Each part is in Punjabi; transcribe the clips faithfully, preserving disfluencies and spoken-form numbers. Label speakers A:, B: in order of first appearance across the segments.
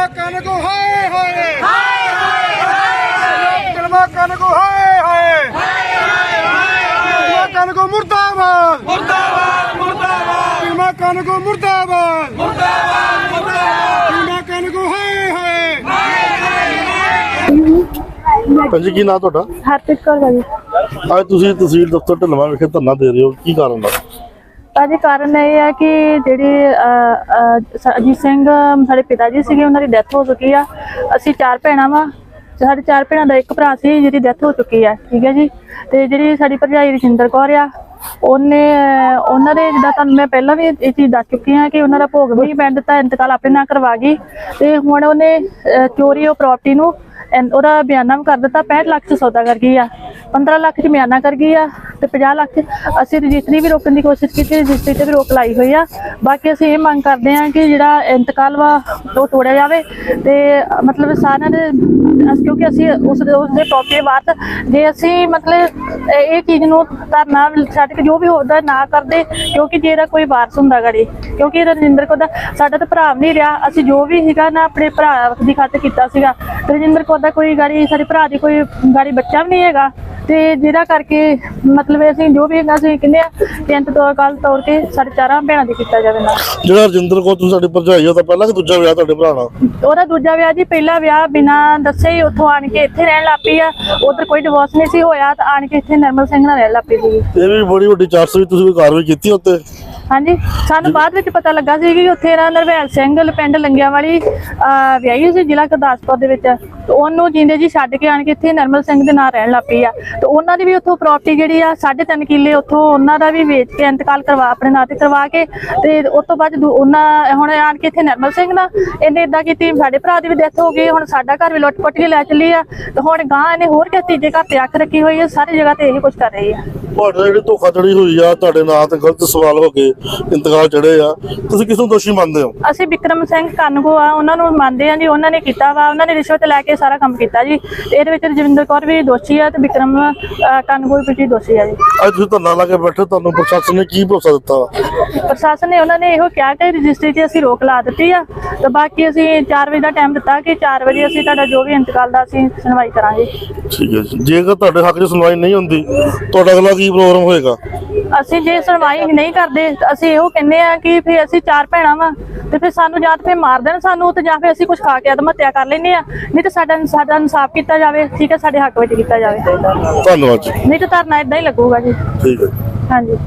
A: कनक हाय हाय हाय हाय कलमा कनक हाय हाय कलमा कनक मुर्दाबाद मुर्दाबाद मुर्दाबाद कलमा कनक मुर्दाबाद मुर्दाबाद मुर्दाबाद कलमा कनक हाय हाय।
B: पंजी की नाम ਤੁਹਾਡਾ?
C: ਹਰਪ੍ਰੀਤ ਕੌਰ ਭਾਜੀ।
B: ਅੱਜ ਤੁਸੀਂ ਤਹਿਸੀਲ ਦਫ਼ਤਰ ਢਿੱਲਵਾਂ ਵਿਖੇ ਧਰਨਾ ਦੇ ਰਹੇ ਹੋ, ਕੀ ਕਾਰਨ ਦਾ?
C: ਭਾਜੀ ਕਾਰਨ ਇਹ ਹੈ ਕਿ ਜਿਹੜੀ ਅਜੀਤ ਸਿੰਘ ਸਾਡੇ ਪਿਤਾ ਜੀ ਸੀਗੇ, ਉਹਨਾਂ ਦੀ ਡੈਥ ਹੋ ਚੁੱਕੀ ਆ। ਅਸੀਂ ਚਾਰ ਭੈਣਾਂ ਵਾ, ਸਾਡੇ ਚਾਰ ਭੈਣਾਂ ਦਾ ਇੱਕ ਭਰਾ ਸੀ ਜਿਹਦੀ ਡੈਥ ਹੋ ਚੁੱਕੀ ਆ, ਠੀਕ ਹੈ ਜੀ। ਤੇ ਜਿਹੜੀ ਸਾਡੀ ਭਰਜਾਈ ਰਜਿੰਦਰ ਕੌਰ ਆ, ਉਹਨੇ ਉਹਨਾਂ ਦੇ ਜਿੱਦਾਂ ਤੁਹਾਨੂੰ ਮੈਂ ਪਹਿਲਾਂ ਵੀ ਇਹ ਚੀਜ਼ ਦੱਸ ਚੁੱਕੀ ਹਾਂ ਕਿ ਉਹਨਾਂ ਦਾ ਭੋਗ ਵੀ ਪੈਣ ਦਿੱਤਾ, ਇੰਤਕਾਲ ਆਪਣੇ ਨਾਲ ਕਰਵਾ ਗਈ। ਤੇ ਹੁਣ ਉਹਨੇ ਚੋਰੀ ਉਹ ਪ੍ਰਾਪਰਟੀ ਨੂੰ ਉਹਦਾ ਬਿਆਨਾ ਵੀ ਕਰ ਦਿੱਤਾ। ਪੈਂਹਠ ਲੱਖ 'ਚ ਸੌਦਾ ਕਰ ਗਈ ਆ, ਪੰਦਰਾਂ ਲੱਖ 'ਚ ਬਿਆਨਾ ਕਰ ਗਈ ਆ ਤੇ ਪੰਜਾਹ ਲੱਖ 'ਚ ਅਸੀਂ ਰਜਿਸਟਰੀ ਵੀ ਰੋਕਣ ਦੀ ਕੋਸ਼ਿਸ਼ ਕੀਤੀ, ਰਜਿਸਟਰੀ 'ਤੇ ਵੀ ਰੋਕ ਲਾਈ ਹੋਈ ਆ। ਬਾਕੀ ਅਸੀਂ ਇਹ ਮੰਗ ਕਰਦੇ ਹਾਂ ਕਿ ਜਿਹੜਾ ਇੰਤਕਾਲ ਵਾ ਉਹ ਤੋੜਿਆ ਜਾਵੇ ਤੇ ਮਤਲਬ ਸਾਰਿਆਂ ਦੇ, ਕਿਉਂਕਿ ਅਸੀਂ ਉਸ ਉਸਦੇ ਪ੍ਰੋਪਰਟੀ ਵਾਰਸ, ਜੇ ਅਸੀਂ ਮਤਲਬ ਇਹ ਚੀਜ਼ ਨੂੰ ਧਰਨਾ ਛੱਡ ਕੇ ਜੋ ਵੀ ਹੋਦਾ ਨਾ ਕਰਦੇ, ਕਿਉਂਕਿ ਜੇ ਇਹਦਾ ਕੋਈ ਵਾਰਸ ਹੁੰਦਾ ਗੜੀ, ਕਿਉਂਕਿ ਰਜਿੰਦਰ ਕੌਰ ਦਾ ਸਾਡਾ ਤਾਂ ਭਰਾ ਨਹੀਂ ਰਿਹਾ, ਅਸੀਂ ਜੋ ਵੀ ਸੀਗਾ ਨਾ ਆਪਣੇ ਭਰਾ ਦੀ ਖਾਤਰ ਕੀਤਾ ਸੀਗਾ। ਰਜਿੰਦਰ ਕੌਰ ਦਾ ਕੋਈ ਗਾੜੀ ਸਾਡੇ ਭਰਾ ਦੀ ਕੋਈ ਗਾੜੀ ਬੱਚਾ ਵੀ ਨਹੀਂ ਹੈਗਾ, ਤੇ ਜਿਹਦਾ ਕਰਕੇ ਮਤਲਬ ਅਸੀਂ ਜੋ ਵੀ ਹੈਗਾ ਅਸੀਂ ਕਹਿੰਦੇ ਆ ਬੇਨਤੀ ਤੋਂ ਕੱਲ ਤੌਰ ਤੇ ਸਾਡੇ ਚਾਰਾਂ ਭੈਣਾਂ ਦੀ ਕੀਤਾ ਜਾਵੇ ਨਾ।
B: ਜਿਹੜਾ ਰਜਿੰਦਰ ਕੌਰ ਤੁਸੀਂ ਸਾਡੀ ਭਰਜਾਈ ਹੋ, ਤਾਂ ਪਹਿਲਾਂ ਕਿ ਦੂਜਾ ਵਿਆਹ ਤੁਹਾਡੇ ਭਰਾ ਨਾਲ?
C: ਉਹਦਾ ਦੂਜਾ ਵਿਆਹ ਜੀ, ਪਹਿਲਾ ਵਿਆਹ ਬਿਨਾਂ ਦੱਸੇ ਹੀ ਉੱਥੋਂ ਆਣ ਕੇ ਇੱਥੇ ਰਹਿਣ ਲੱਗ ਪਈ ਆ। ਉਧਰ ਕੋਈ ਡਿਵੋਰਸ ਨਹੀਂ ਸੀ ਹੋਇਆ ਤਾਂ ਆਣ ਕੇ ਇੱਥੇ ਨਰਮਲ ਸਿੰਘ ਨਾਲ ਰਹਿਣ ਲੱਗ ਪਈ ਸੀ।
B: ਇਹ ਵੀ ਬੜੀ ਵੱਡੀ ਚਾਰਜ ਵੀ, ਤੁਸੀਂ ਕੋਈ ਕਾਰਵਾਈ ਕੀਤੀ ਉੱਤੇ?
C: ਹਾਂਜੀ, ਸਾਨੂੰ ਬਾਅਦ ਵਿੱਚ ਪਤਾ ਲੱਗਾ ਸੀ ਕਿ ਉੱਥੇ ਨਾ ਨਰਵੈਲ ਸਿੰਘ ਪਿੰਡ ਲੰਗਿਆਂ ਵਾਲੀ ਵਿਆਹੀ ਸੀ ਜ਼ਿਲ੍ਹਾ ਗੁਰਦਾਸਪੁਰ ਦੇ ਵਿੱਚ, ਉਹਨੂੰ ਜਿੰਦੇ ਜੀ ਛੱਡ ਕੇ ਆਣ ਕੇ ਇੱਥੇ ਨਰਮਲ ਸਿੰਘ ਦੇ ਨਾਲ ਰਹਿਣ ਲੱਗ ਪਈ ਆ। ਤੇ ਉਹਨਾਂ ਦੀ ਵੀ ਉੱਥੋਂ ਪ੍ਰਾਪਰਟੀ ਜਿਹੜੀ ਆ ਸਾਢੇ ਤਿੰਨ ਕਿੱਲੇ ਉੱਥੋਂ ਉਹਨਾਂ ਦਾ ਵੀ ਵੇਚ ਕੇ ਇੰਤਕਾਲ ਕਰਵਾ ਆਪਣੇ ਨਾਂ ਤੇ ਕਰਵਾ ਕੇ, ਤੇ ਉਸ ਤੋਂ ਬਾਅਦ ਉਹਨਾਂ ਹੁਣ ਆਣ ਕੇ ਇੱਥੇ ਨਰਮਲ ਸਿੰਘ ਨਾਲ ਇਹਨੇ ਇਦਾਂ ਕੀਤੀ, ਸਾਡੇ ਭਰਾ ਦੀ ਵੀ ਡੈਥ ਹੋ ਗਈ, ਹੁਣ ਸਾਡਾ ਘਰ ਵੀ ਲੁੱਟ ਪੁੱਟ ਕੇ ਲੈ ਚੱਲੀ ਆ। ਤੇ ਹੁਣ ਗਾਂ ਇਹਨੇ ਹੋਰ ਕਿਸੇ ਤੀਜੇ ਘਰ ਤੇ ਅੱਖ ਰੱਖੀ ਹੋਈ ਹੈ, ਸਾਰੀ ਜਗ੍ਹਾ ਤੇ ਇਹੀ ਕੁਝ ਕਰ ਰਹੀ ਆ।
B: ਤੁਹਾਡੇ ਜਿਹੜੀ ਧੋਖਾਧੜੀ ਹੋਈ ਆ, ਤੁਹਾਡੇ ਨਾਂ ਤੇ ਗਲਤ ਸਵਾਲ ਹੋ ਕੇ ਇੰਤਕਾਲ ਚੜੇ ਆ, ਤੁਸੀਂ ਕਿਸ ਨੂੰ ਦੋਸ਼ੀ ਮੰਨਦੇ ਹੋ?
C: ਅਸੀਂ ਬਿਕਰਮ ਸਿੰਘ ਕਾਨੂੰਗੋ ਆ, ਉਹਨਾਂ ਨੂੰ ਮੰਨਦੇ ਆ ਜੀ, ਉਹਨਾਂ ਨੇ ਕੀਤਾ ਵਾ, ਉਹਨਾਂ ਨੇ ਰਿਸ਼ਵਤ ਲੈ ਕੇ ਸਾਰਾ ਕੰਮ ਕੀਤਾ ਜੀ। ਇਹਦੇ ਵਿੱਚ ਰਜਿੰਦਰ ਕੌਰ ਵੀ ਦੋਸ਼ੀ ਆ ਤੇ ਬਿਕਰਮ ਕਾਨੂੰਗੋ ਵੀ ਦੋਸ਼ੀ ਆ ਜੀ।
B: ਅੱਜ ਤੁਸੀਂ ਧਰਨਾ ਲਾ ਕੇ ਬੈਠੇ, ਤੁਹਾਨੂੰ ਪ੍ਰਸ਼ਾਸਨ ਨੇ ਕੀ ਭਰੋਸਾ ਦਿੱਤਾ?
C: ਪ੍ਰਸ਼ਾਸਨ ਨੇ ਉਹਨਾਂ ਨੇ ਇਹੋ ਕਿਹਾ ਕਿ ਰਜਿਸਟਰੀ 'ਤੇ ਅਸੀਂ ਰੋਕ ਲਾ ਦਿੱਤੀ ਆ, ਤੇ ਬਾਕੀ ਅਸੀਂ ਚਾਰ ਵਜੇ ਦਾ ਟਾਈਮ ਦਿੱਤਾ ਕਿ ਚਾਰ ਵਜੇ ਅਸੀਂ ਤੁਹਾਡਾ ਜੋ ਵੀ ਇੰਤਕਾਲ ਦਾ ਅਸੀਂ ਸੁਣਵਾਈ ਕਰਾਂਗੇ।
B: ਠੀਕ ਹੈ ਜੀ। ਜੇਕਰ ਤੁਹਾਡੇ ਹੱਕ 'ਚ ਸੁਣਵਾਈ ਨਹੀਂ ਹੁੰਦੀ, ਤੁਹਾਡਾ ਅਗਲਾ ਕੀ ਪ੍ਰੋਗਰਾਮ ਹੋਏਗਾ?
C: ਅਸੀਂ ਜੇ ਸੁਣਵਾਈ ਨਹੀਂ ਕਰਦੇ ਅਸੀਂ ਇਹੋ ਕਹਿੰਦੇ ਆ ਕਿ ਫਿਰ ਅਸੀਂ ਚਾਰ ਭੈਣਾਂ ਵਾ ਤੇ ਫਿਰ ਸਾਨੂੰ ਜਾਂ ਫਿਰ ਮਾਰ ਦੇਣ ਸਾਨੂੰ, ਤੇ ਜਾਂ ਫਿਰ ਅਸੀਂ ਕੁਝ ਖਾ ਕੇ ਆਤਮ ਹੱਤਿਆ ਕਰ ਲੈਂਦੇ ਆ, ਨਹੀਂ ਤਾਂ ਸਾਡਾ ਸਾਡਾ ਇਨਸਾਫ ਕੀਤਾ ਜਾਵੇ, ਠੀਕ ਹੈ, ਸਾਡੇ ਹੱਕ ਵਿੱਚ ਕੀਤਾ ਜਾਵੇ।
B: ਧੰਨਵਾਦ ਜੀ।
C: ਨਹੀਂ ਤਾਂ ਧਰਨਾ ਏਦਾਂ ਹੀ ਲੱਗੂਗਾ ਜੀ।
B: ਠੀਕ ਹੈ।
C: ਹਾਂਜੀ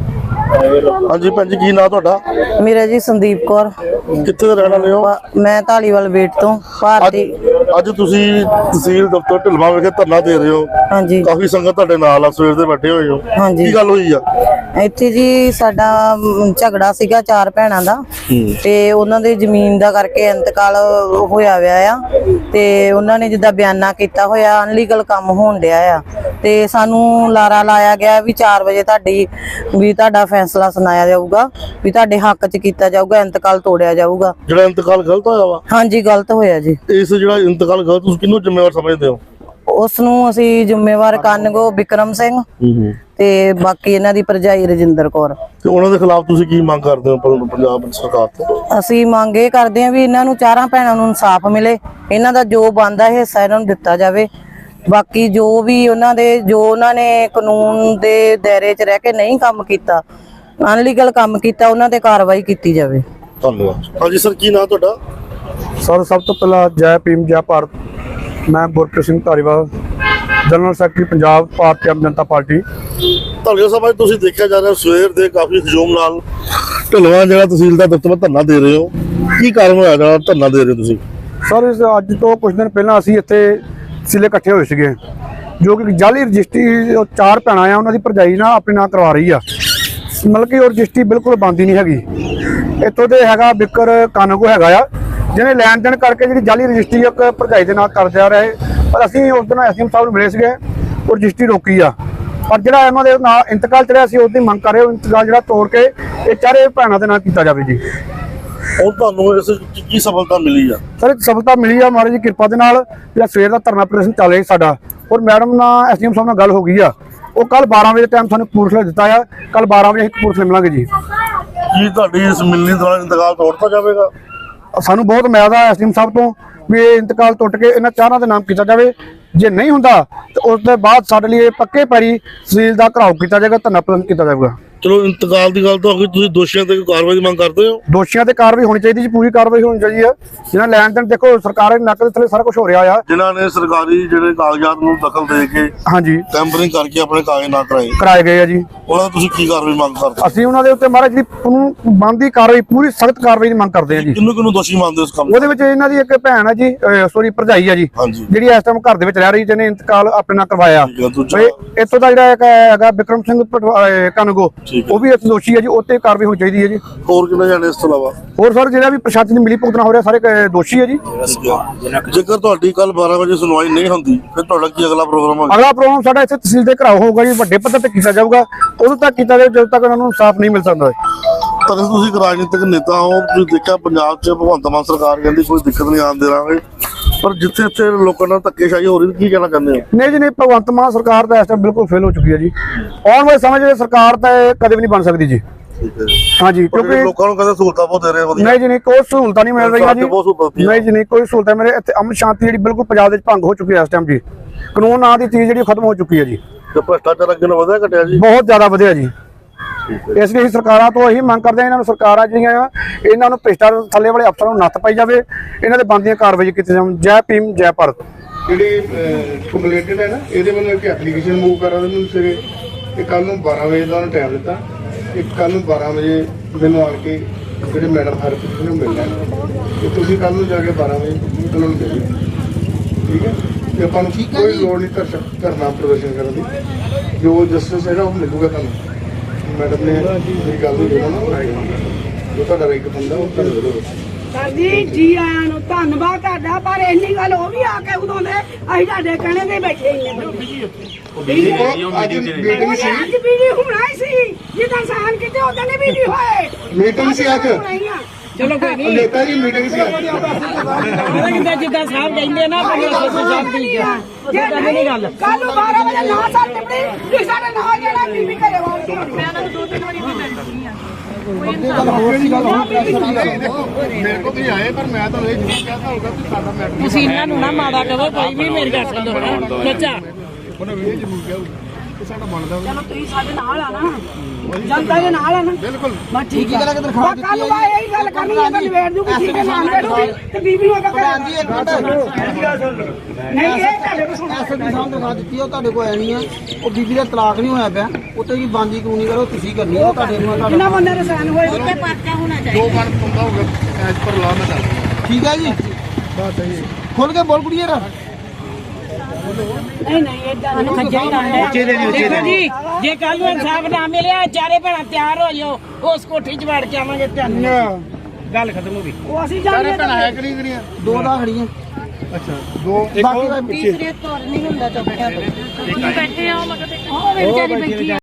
B: ਹਾਂਜੀ ਭੈਣ ਜੀ, ਕੀ ਨਾਂ ਤੁਹਾਡਾ?
D: ਮੇਰਾ ਜੀ ਸੰਦੀਪ ਕੌਰ।
B: ਕਿੱਥੇ ਦੇ ਰਹਿਣ ਵਾਲੇ ਹੋ?
D: ਮੈਂ ਢਾਲੀਵਾਲ ਵੇਟ ਤੋਂ ਭਾਰਤੀ।
B: ਅੱਜ ਤੁਸੀਂ ਤਹਿਸੀਲ ਦਫ਼ਤਰ ਢਿੱਲਵਾਂ ਵਿਖੇ ਧਰਨਾ ਦੇ ਰਹੇ ਹੋ,
D: ਹਾਂਜੀ,
B: ਕਾਫੀ ਸੰਗਤ ਤੁਹਾਡੇ ਨਾਲ ਆ, ਸਵੇਰ ਦੇ ਬੈਠੇ ਹੋਏ ਹੋ,
D: ਹਾਂਜੀ।
B: ਕੀ ਗੱਲ ਹੋਈ ਆ
D: ਇੱਥੇ ਜੀ? ਸਾਡਾ ਝਗੜਾ ਸੀਗਾ ਚਾਰ ਭੈਣਾਂ ਦਾ, ਤੇ ਉਹਨਾਂ ਦੇ ਜ਼ਮੀਨ ਦਾ ਕਰਕੇ ਇੰਤਕਾਲ ਹੋਇਆ ਹੋਇਆ ਆ, ਤੇ ਉਹਨਾਂ ਨੇ ਜਿੱਦਾਂ ਬਿਆਨਾ ਕੀਤਾ ਹੋਇਆ, ਅਨਲੀਗਲ ਕੰਮ ਹੋਣ ਡਿਆ ਆ, ਤੇ ਸਾਨੂੰ ਲਾਰਾ ਲਾਇਆ ਗਿਆ ਵੀ ਚਾਰ ਵਜੇ ਤੁਹਾਡੀ ਵੀ ਤੁਹਾਡਾ ਫੈਸਲਾ ਸੁਣਾਇਆ ਜਾਊਗਾ, ਵੀ ਤੁਹਾਡੇ ਹੱਕ 'ਚ ਕੀਤਾ ਜਾਊਗਾ, ਇੰਤਕਾਲ ਤੋੜਿਆ ਜਾਊਗਾ।
B: ਜਿਹੜਾ ਇੰਤਕਾਲ ਗਲਤ ਹੋਇਆ ਵਾ?
D: ਹਾਂਜੀ, ਗਲਤ ਹੋਇਆ ਜੀ।
B: ਇਸ ਜਿਹੜਾ ਇੰਤਕਾਲ ਗਲਤ, ਤੁਸੀਂ ਕਿਹਨੂੰ ਜ਼ਿੰਮੇਵਾਰ ਸਮਝਦੇ ਹੋ?
D: ਉਸ ਨੂੰ ਅਸੀਂ ਜ਼ਿੰਮੇਵਾਰ ਕਾਨੂੰਗੋ ਬਿਕਰਮ ਸਿੰਘ ਤੇ ਬਾਕੀ ਇਹਨਾਂ ਦੀ ਭਰਜਾਈ ਰਜਿੰਦਰ ਕੌਰ।
B: ਤੇ ਉਹਨਾਂ ਦੇ ਖਿਲਾਫ ਤੁਸੀਂ ਕੀ ਮੰਗ ਕਰਦੇ ਹੋ ਪੰਜਾਬ ਸਰਕਾਰ ਤੋਂ?
D: ਅਸੀਂ ਮੰਗ ਇਹ ਕਰਦੇ ਹਾਂ ਵੀ ਇਹਨਾਂ ਨੂੰ ਚਾਰਾਂ ਭੈਣਾਂ ਨੂੰ ਇਨਸਾਫ ਮਿਲੇ, ਇਹਨਾਂ ਦਾ ਜੋ ਬਣਦਾ ਹਿੱਸਾ ਇਹਨਾਂ ਨੂੰ ਦਿੱਤਾ ਜਾਵੇ। ਬਾਕੀ ਜੋ ਵੀ ਉਹਨਾਂ ਦੇ ਜੋ ਉਹਨਾਂ ਨੇ ਕਾਨੂੰਨ ਦੇ ਦਾਇਰੇ 'ਚ ਰਹਿ ਕੇ ਨਹੀਂ ਕੰਮ ਕੀਤਾ, ਅਨਲੀਗਲ ਕੰਮ ਕੀਤਾ, ਉਹਨਾਂ ਤੇ ਕਾਰਵਾਈ ਕੀਤੀ ਜਾਵੇ।
B: ਧੰਨਵਾਦ। ਹਾਂਜੀ ਸਰ, ਕੀ ਨਾਮ ਤੁਹਾਡਾ?
E: ਸਰ ਸਭ ਤੋਂ ਪਹਿਲਾਂ ਜੈ ਭੀਮ ਜੈ ਭਾਰਤ। ਮੈਂ Gurpreet Singh Dhariwal, general secretary Punjab Bharti Aam Janata party.
B: Dhaliwal ਸਾਹਿਬ, ਤੁਸੀਂ ਦੇਖਿਆ ਜਾ ਰਿਹਾ ਸਵੇਰ ਦੇ ਕਾਫੀ ਹਜੂਮ ਨਾਲ ਢਿੱਲਵਾਂ ਜਿਹੜਾ ਤਹਿਸੀਲ ਦਾ ਦਫ਼ਤਰ ਧਰਨਾ ਦੇ ਰਹੇ ਹੋ, ਕੀ ਕਾਰਨ ਹੋਇਆ ਜਿਹੜਾ ਧਰਨਾ ਦੇ ਰਹੇ ਹੋ ਤੁਸੀਂ?
E: ਸਰ ਇਸ ਅੱਜ ਤੋਂ ਕੁਝ ਦਿਨ ਪਹਿਲਾਂ ਅਸੀਂ ਇੱਥੇ ਸਿਲੇ ਇਕੱਠੇ ਹੋਏ ਸੀਗੇ, ਜੋ ਕਿ ਜਾਲੀ ਰਜਿਸਟਰੀ ਚਾਰ ਭੈਣਾਂ ਆ ਉਹਨਾਂ ਦੀ ਭਰਜਾਈ ਨਾਲ ਆਪਣੇ ਨਾਂ ਕਰਵਾ ਰਹੀ ਆ, ਮਤਲਬ ਕਿ ਉਹ ਰਜਿਸਟਰੀ ਬਿਲਕੁਲ ਬਣਦੀ ਨਹੀਂ ਹੈਗੀ। ਇੱਥੋਂ ਦੇ ਹੈਗਾ ਬਿਕਰ ਕਾਨੂੰਗੋ ਹੈਗਾ ਆ, ਜਿਹਨੇ ਲੈਣ ਦੇਣ ਕਰਕੇ ਜਿਹੜੀ ਜਾਲੀ ਰਜਿਸਟਰੀ ਇੱਕ ਭਰਜਾਈ ਦੇ ਨਾਲ ਕਰ ਜਾ ਰਹੇ, ਪਰ ਅਸੀਂ ਉਸ ਦਿਨ ਐਸਡੀਐਮ ਸਾਹਿਬ ਨੂੰ ਮਿਲੇ ਸੀਗੇ, ਉਹ ਰਜਿਸਟਰੀ ਰੋਕੀ ਆ। ਪਰ ਜਿਹੜਾ ਇਹਨਾਂ ਦੇ ਨਾਲ ਇੰਤਕਾਲ ਚੜਿਆ ਸੀ ਉਸ ਦੀ ਮੰਗ ਕਰ ਰਹੇ ਹੋ, ਇੰਤਕਾਲ ਜਿਹੜਾ ਤੋੜ ਕੇ ਇਹ ਚਾਰੇ ਭੈਣਾਂ ਦੇ ਨਾਲ ਕੀਤਾ ਜਾਵੇ ਜੀ।
B: ਉਹ ਤੁਹਾਨੂੰ ਇਸ ਕੀ ਸਫਲਤਾ ਮਿਲੀ ਆ?
E: ਸਰ ਸਫਲਤਾ ਮਿਲੀ ਆ ਮਹਾਰਾਜ ਦੀ ਕਿਰਪਾ ਦੇ ਨਾਲ। ਜਿਹੜਾ ਸਵੇਰ ਦਾ ਧਰਨਾ ਪ੍ਰਦਰਸ਼ਨ ਚੱਲ ਰਿਹਾ ਸਾਡਾ, ਔਰ ਮੈਡਮ ਨਾਲ ਐਸਡੀਐਮ ਸਾਹਿਬ ਨਾਲ ਗੱਲ ਹੋ ਗਈ ਆ, ਉਹ ਕੱਲ ਬਾਰਾਂ ਵਜੇ ਟਾਈਮ ਸਾਨੂੰ ਕਪੂਰਥਲੇ ਦਿੱਤਾ ਆ, ਕੱਲ ਬਾਰਾਂ ਵਜੇ ਅਸੀਂ ਕਪੂਰਥਲੇ ਮਿਲਾਂਗੇ ਜੀ।
B: ਕੀ ਤੁਹਾਡੀ ਇਸ ਮਿਲਣੀ ਦੌਰਾਨ ਇੰਤਕਾਲ ਤੋੜਤਾ ਜਾਵੇਗਾ?
E: ਸਾਨੂੰ ਬਹੁਤ ਉਮੀਦ ਆ ਐਸਡੀਐਮ ਸਾਹਿਬ ਤੋਂ ਵੀ ਇਹ ਇੰਤਕਾਲ ਟੁੱਟ ਕੇ ਇਹਨਾਂ ਚਾਰਾਂ ਦੇ ਨਾਮ ਕੀਤਾ ਜਾਵੇ। ਜੇ ਨਹੀਂ ਹੁੰਦਾ ਤਾਂ ਉਸ ਤੋਂ ਬਾਅਦ ਸਾਡੇ ਲਈ ਪੱਕੇ ਪੈਰੀ ਤਹਿਸੀਲ ਦਾ ਘਰਾਓ ਕੀਤਾ ਜਾਏਗਾ, ਧਰਨਾ ਪ੍ਰਦਰਸ਼ਨ ਕੀਤਾ ਜਾਵੇਗਾ।
B: ਚਲੋ ਇੰਤਕਾਲ ਦੀ ਗੱਲ ਤਾਂ ਹੋ ਗਈ, ਤੁਸੀਂ ਦੋਸ਼ੀਆਂ ਤੇ ਕੋਈ ਕਾਰਵਾਈ ਦੀ ਮੰਗ ਕਰਦੇ ਹੋ?
E: ਦੋਸ਼ੀਆਂ ਤੇ ਕਾਰਵਾਈ ਹੋਣੀ ਚਾਹੀਦੀ ਜੀ, ਪੂਰੀ ਕਾਰਵਾਈ ਹੋਣੀ ਚਾਹੀਦੀ ਹੈ। ਜਿਹਨਾਂ ਲੈਣ ਦੇਣ ਦੇਖੋ ਸਰਕਾਰ ਦੇ ਨੱਕ ਦੇ ਥੱਲੇ ਸਾਰਾ ਕੁਝ ਹੋ ਰਿਹਾ ਆ।
B: ਜਿਨ੍ਹਾਂ ਨੇ ਸਰਕਾਰੀ ਜਿਹੜੇ ਕਾਗਜ਼ਾਤ ਨੂੰ ਦਖਲ ਦੇ ਕੇ
E: ਹਾਂਜੀ
B: ਟੈਂਪਰਿੰਗ ਕਰਕੇ ਆਪਣੇ ਕਾਗਜ਼ ਨਾ ਕਰਾਏ
E: ਕਰਾਏ ਗਏ ਆ ਜੀ।
B: ਉਹਨਾਂ ਦੀ ਤੁਸੀਂ ਕੀ ਕਾਰਵਾਈ ਮੰਗ ਕਰਦੇ ਹੋ?
E: ਅਸੀਂ ਉਹਨਾਂ ਦੇ ਉੱਤੇ ਮਹਾਰਾਜ ਜੀ ਕਾਨੂੰਨ ਬਣਦੀ ਕਾਰਵਾਈ, ਪੂਰੀ ਸਖਤ ਕਾਰਵਾਈ ਦੀ ਮੰਗ ਕਰਦੇ ਹਾਂ ਜੀ।
B: ਕਿਹਨੂੰ ਕਿਹਨੂੰ ਦੋਸ਼ੀ ਮੰਨਦੇ ਹੋ ਇਸ ਕੰਮ?
E: ਉਹਦੇ ਵਿੱਚ ਇਹਨਾਂ ਦੀ ਇੱਕ ਭੈਣ ਹੈ ਜੀ, ਸੋਰੀ ਭਰਜਾਈ ਆ ਜੀ,
B: ਹਾਂਜੀ।
E: ਜਿਹੜੀ ਇਸ ਟਾਈਮ ਘਰ ਦੇ ਵਿੱਚ ਰਹਿ ਰਹੀ, ਜਿਹਨੇ ਇੰਤਕਾਲ ਆਪਣੇ ਨਾਲ ਕਰਵਾਇਆ।
B: ਠੀਕ ਹੈ, ਦੂਜਾ?
E: ਇਹ- ਇੱਥੋਂ ਦਾ ਜਿਹੜਾ ਇੱਕ ਹੈਗਾ ਵਿਕਰਮ ਸਿੰਘ ਪਟਵਾ- ਅਹ ਕਨਗੋ,
B: ਠੀਕ ਹੈ।
E: ਉਹ ਵੀ ਇਸ ਦੋਸ਼ੀ ਹੈ ਜੀ, ਉੱਤੇ ਕਾਰਵਾਈ ਹੋਣੀ ਚਾਹੀਦੀ ਹੈ ਜੀ।
B: ਹੋਰ ਕਿੰਨੇ ਜਾਣੇ ਇਸ ਤੋਂ ਇਲਾਵਾ?
E: ਹੋਰ ਸਰ ਜਿਹੜਾ ਵੀ ਪ੍ਰਸ਼ਾਸਨ ਦੀ ਮਿਲੀ ਭੁਗਤਣਾ ਹੋ ਰਿਹਾ, ਸਾਰੇ ਕ- ਦੋਸ਼ੀ ਹੈ ਜੀ।
B: ਜੇਕਰ ਤੁਹਾਡੀ ਕੱਲ ਬਾਰਾਂ ਵਜੇ ਸੁਣਵਾਈ ਨਹੀਂ ਹੁੰਦੀ ਫਿਰ ਤੁਹਾਡਾ ਕੀ ਅਗਲਾ ਪ੍ਰੋਗਰਾਮ ਹੋਵੇਗਾ?
E: ਅਗਲਾ ਪ੍ਰੋਗਰਾਮ ਸਾਡਾ ਇੱਥੇ ਤਹਿਸੀਲ ਦੇ ਘਰਾਓ ਹੋਊਗਾ ਜੀ, ਵੱਡੇ ਪੱਧਰ ਤੇ ਕੀਤਾ ਜਾਊਗਾ। ਉਦੋਂ ਤੱਕ ਕੀਤਾ ਜਾਵੇ ਜਦੋਂ ਤੱਕ ਉਹਨਾਂ ਨੂੰ ਇਨਸਾਫ ਨਹੀਂ ਮਿਲ ਸਕਦਾ।
B: ਪਰ ਤੁਸੀਂ ਇੱਕ ਰਾਜਨੀਤਿਕ ਨੇਤਾ ਹੋ, ਤੁਸੀਂ ਦੇਖਿਆ ਪੰਜਾਬ 'ਚ ਭਗਵੰਤ ਮਾਨ ਸਰਕਾਰ ਕਹਿੰਦੀ ਕੋਈ ਦਿੱਕਤ ਨਹੀਂ ਆਉਣ ਦੇਵਾਂਗੇ, ਪਰ ਜਿੱਥੇ ਇੱਥੇ ਲੋਕਾਂ ਨਾਲ ਧੱਕੇਸ਼ਾਹੀ ਹੋ ਰਹੀ, ਕੀ ਕਹਿਣਾ ਚਾਹੁੰਦੇ ਹੋ?
E: ਨਹੀਂ ਜੀ ਨਹੀਂ, ਭਗਵੰਤ ਮਾਨ ਸਰਕਾਰ ਤਾਂ ਇਸ ਟਾਈਮ ਬਿਲਕੁਲ ਫੇਲ ਹੋ ਚੁੱਕੀ ਹੈ ਜੀ। ਆਉਣ ਵਾਲੇ ਸਮੇਂ 'ਚ ਸਰਕਾਰ ਤਾਂ ਇਹ ਕਦੇ ਵੀ ਨਹੀਂ ਬਣ ਸਕਦੀ ਜੀ।
B: ਠੀਕ ਹੈ।
E: ਹਾਂਜੀ,
B: ਕਿਉਂਕਿ
E: ਕਿਉਂਕਿ
B: ਲੋਕਾਂ ਨੂੰ ਕਹਿੰਦੇ ਸਹੂਲਤਾਂ ਬਹੁਤ ਦੇ ਰਹੇ ਵਧੀਆ।
E: ਨਹੀਂ ਜੀ ਨਹੀਂ, ਕੋਈ ਸਹੂਲਤਾਂ ਨਹੀਂ ਮਿਲ ਰਹੀਆਂ ਜੀ।
B: ਬਹੁਤ ਸਹੂਲਤਾਂ ਦਿੱਤੀਆਂ।
E: ਨਹੀਂ ਜੀ ਨਹੀਂ, ਕੋਈ ਸਹੂਲਤਾਂ ਮੇਰੇ ਇੱਥੇ ਅਮਨ ਸ਼ਾਂਤੀ ਜਿਹੜੀ ਬਿਲਕੁਲ ਪੰਜਾਬ ਦੇ ਵਿੱਚ ਭੰਗ ਹੋ ਚੁੱਕੀ ਹੈ ਇਸ ਟਾਈਮ ਜੀ। ਕਾਨੂੰਨ ਨਾਂ ਦੀ ਚੀਜ਼ ਜਿਹੜੀ ਖਤਮ ਹੋ ਚੁੱਕੀ ਹੈ ਜੀ।
B: ਤੇ ਭ੍ਰਿਸ਼ਟਾਚਾਰ ਅੱਗੇ ਨਾਲੋਂ ਵਧਿਆ ਘਟਿਆ ਜੀ?
E: ਬਹੁਤ ਜ਼ਿਆਦਾ ਵਧਿਆ ਜੀ। ਇਸ ਲਈ ਅਸੀਂ ਸਰਕਾਰਾਂ ਤੋਂ ਇਹੀ ਮੰਗ ਕਰਦੇ ਹਾਂ, ਇਹਨਾਂ ਨੂੰ ਸਰਕਾਰਾਂ ਜਿਹੜੀਆਂ ਆ ਇਹਨਾਂ ਨੂੰ ਭ੍ਰਿਸ਼ਟਾਚਾਰ ਥੱਲੇ ਵਾਲੇ ਅਫਸਰਾਂ ਨੂੰ ਨੱਥ ਪਾਈ ਜਾਵੇ, ਇਹਨਾਂ ਦੇ ਬਣਦੀਆਂ ਕਾਰਵਾਈ ਕੀਤੀ ਜਾਵੇ। ਜੈ ਭੀਮ ਜੈ ਭਾਰਤ।
A: ਜਿਹੜੇ ਕੰਪਲੇਂਟਡ ਹੈ ਨਾ, ਇਹਦੇ ਵੱਲੋਂ ਇੱਕ ਐਪਲੀਕੇਸ਼ਨ ਮੂਵ ਕਰਾ ਦੇ ਮੈਨੂੰ ਸਵੇਰੇ, ਤੇ ਕੱਲ ਨੂੰ ਬਾਰਾਂ ਵਜੇ ਦਾ ਉਹਨੂੰ ਟਾਈਮ ਦਿੱਤਾ। ਇੱਕ ਕੱਲ ਨੂੰ ਬਾਰਾਂ ਵਜੇ ਮੈਨੂੰ ਆਣ ਕੇ ਜਿਹੜੇ ਮੈਡਮ ਹਰਪ੍ਰੀਤ ਨੂੰ ਮਿਲਣਾ, ਤੇ ਤੁਸੀਂ ਕੱਲ ਨੂੰ ਜਾ ਕੇ ਬਾਰਾਂ ਵਜੇ ਉਹਨਾਂ ਨੂੰ ਦੇ ਦਿਓ, ਠੀਕ ਹੈ? ਤੇ ਆਪਾਂ ਨੂੰ ਕੋਈ ਲੋੜ ਨਹੀਂ ਧਰ ਧਰਨਾ ਪ੍ਰਦਰਸ਼ਨ ਕਰਨ ਦੀ, ਜੋ ਜਸਟਿਸ ਹੈਗਾ ਉਹ ਮਿਲੂਗਾ ਤੁਹਾਨੂੰ। ਮੈਡਮ ਨੇ ਮੇਰੀ ਗੱਲ ਨੂੰ ਜਿਹੜਾ ਨਾ ਜੋ ਤੁਹਾਡਾ ਇੱਕ ਬੰਦਾ ਉਹ ਤੁਹਾਨੂੰ ਮਿਲੂਗਾ।
F: ਸਰ ਜੀ ਜੀ ਆਇਆਂ ਨੂੰ ਧੰਨਵਾਦ ਤੁਹਾਡਾ, ਪਰ ਇੰਨੀ ਗੱਲ ਉਹ ਵੀ ਆ ਕੇ ਉਦੋਂ ਦੇ ਅਸੀਂ ਤੁਹਾਡੇ ਕਹਿਣੇ ਤੇ ਬੈਠੇ ਹੀ ਨੇ।
A: ਉਹ ਅੱਜ ਮੀਟਿੰਗ ਸੀ,
F: ਅੱਜ ਵੀਡੀਓ ਹੋਣਾ ਹੀ ਸੀ, ਜਿੱਦਾਂ ਸਾਨ ਕਿਤੇ ਉਦੋਂ ਨੇ ਵੀਡੀਓ ਹੋਏ।
A: ਮੀਟਿੰਗ ਸੀ ਅੱਜ।
F: ਚਲੋ ਕੋਈ ਨਹੀਂ,
A: ਨੇਤਾ ਜੀ ਮੀਟਿੰਗ ਸੀ ਅੱਜ।
F: ਜਿੱਦਾਂ ਜਿੱਦਾਂ ਸਾਹਿਬ ਕਹਿੰਦੇ ਨਾ ਸਾਹਿਬ ਦੀ ਜਿੱਦਾਂ ਨਹੀਂ ਗੱਲ ਕੱਲ ਨੂੰ ਬਾਰਾਂ ਵਜੇ ਨਾ ਸਾਲ ਟਿਪੜੀ ਤੁਸੀਂ ਸਾਡੇ ਨਾਲ ਜਿਹੜਾ ਬੀਬੀ ਘਰੇ ਵਾਲੀ ਮੈਂ ਉਹਨਾਂ ਨੂੰ ਦੋ ਤਿੰਨ ਵਾਰੀ ਵੀ ਮਿਲ ਚੁੱਕੀ ਆ।
A: ਮੇਰੇ ਕੋਲ ਤੁਸੀਂ ਆਏ, ਪਰ ਮੈਂ ਤਾਂ ਇਹ ਜ਼ਰੂਰ ਕਹਿਤਾ ਹੋਊਗਾ ਕਿ ਸਾਡਾ ਮੈਟਰ
F: ਤੁਸੀਂ ਇਹਨਾਂ ਨੂੰ ਨਾ ਮਾੜਾ ਕਹੋ, ਕੋਈ ਵੀ ਮੇਰੀ ਗੱਲ ਸੁਣੋ ਬੱਚਾ।
A: ਉਹਨੇ ਇਹ ਜ਼ਰੂਰ ਕਿਹਾ ਕਿ ਸਾਡਾ ਬਣਦਾ
F: ਚਲੋ ਤੁਸੀਂ ਸਾਡੇ ਨਾਲ ਆ ਨਾ, ਜਨਤਾ ਦੇ ਨਾਲ ਆ ਨਾ।
A: ਬਿਲਕੁਲ।
F: ਮੈਂ ਠੀਕ ਹੈ, ਕੱਲ ਨੂੰ ਮੈਂ ਇਹੀ ਗੱਲ ਕਰਨੀ ਹੈ ਤਾਂ ਨਿਬੇੜ ਦੂਗੀ, ਠੀਕ ਹੈ, ਨਾਮ ਦੇੜੂਗੀ ਤੇ ਬੀਬੀ ਨੂੰ ਅੱਗੇ ਕਰਾ ਨਹੀਂ ਇਹ ਤੁਹਾਡੇ ਕੋਲ ਸੁਣੋ।
G: ਐਸਐਸਪੀ ਸਾਹਿਬ ਦਿਖਾ ਦਿੱਤੀ, ਉਹ ਤੁਹਾਡੇ ਕੋਲ ਆਣੀ ਆ। ਉਹ ਬੀਬੀ ਦਾ ਤਲਾਕ ਨਹੀਂ ਹੋਇਆ ਪਿਆ, ਉੱਤੇ ਜੀ ਬਾਂਦੀ ਕਾਨੂੰਨੀ ਕਰੋ, ਤੁਸੀਂ ਕਰਨੀ ਉਹ ਤੁਹਾਡੇ ਨੂੰ ਤੁਹਾਡਾ।
F: ਕਿੰਨਾ ਬੰਦੇ ਦੇ ਸਾਨ ਹੋਏ ਉੱਤੇ ਪਰਚਾ ਹੋਣਾ ਚਾਹੀਦਾ।
A: ਦੋ ਮਨ ਪੰਦਾ ਹੋਊਗਾ ਐਜ ਪਰ ਲਾ ਮੈਂ ਦੱਸ।
G: ਠੀਕ ਹੈ ਜੀ,
A: ਬਾਤ ਹੈ ਜੀ।
G: ਖੁੱਲ ਕੇ ਬੋਲ ਕੁੜੀਏ ਰ
F: ਨਹੀਂ ਨਹੀਂ ਇਦਾਂ ਨਹੀਂ ਖੱਜਾ ਹੀ ਨਾ ਹੈ। ਦੇਖੋ ਜੀ, ਜੇ ਕੱਲ ਨੂੰ ਇਨਸਾਫ ਨਾ ਮਿਲਿਆ, ਚਾਰੇ ਭੈਣਾਂ ਤਿਆਰ ਹੋ ਜਾਓ, ਉਸ ਕੋਠੀ 'ਚ ਵੜ ਕੇ ਆਵਾਂਗੇ। ਤੁਹਾਨੂੰ ਗੱਲ ਖਤਮ ਹੋ ਗਈ। ਉਹ ਅਸੀਂ
A: ਸਾਰੇ
F: ਜਾਣਦੇ
A: ਭੈਣਾਂ ਹੈ ਕਿ ਨਹੀਂ ਕਰੀਆਂ?
G: ਦੋ ਦਾ ਖੜੀਆਂ।
A: ਅੱਛਾ, ਦੋ ਇੱਕ
G: ਬਾਕੀ
A: ਹੋਰ
G: ਦਾ
A: ਪਿੱਛੇ।
F: ਤੀਸਰੇ ਤੁਰ ਨਹੀਂ ਹੁੰਦਾ ਚੁੱਕਿਆ ਤੋਂ ਬੈਠੇ ਆ, ਮਗਰ ਉਹ ਵਿਚਾਰੀ ਬੈਠੀ ਆ।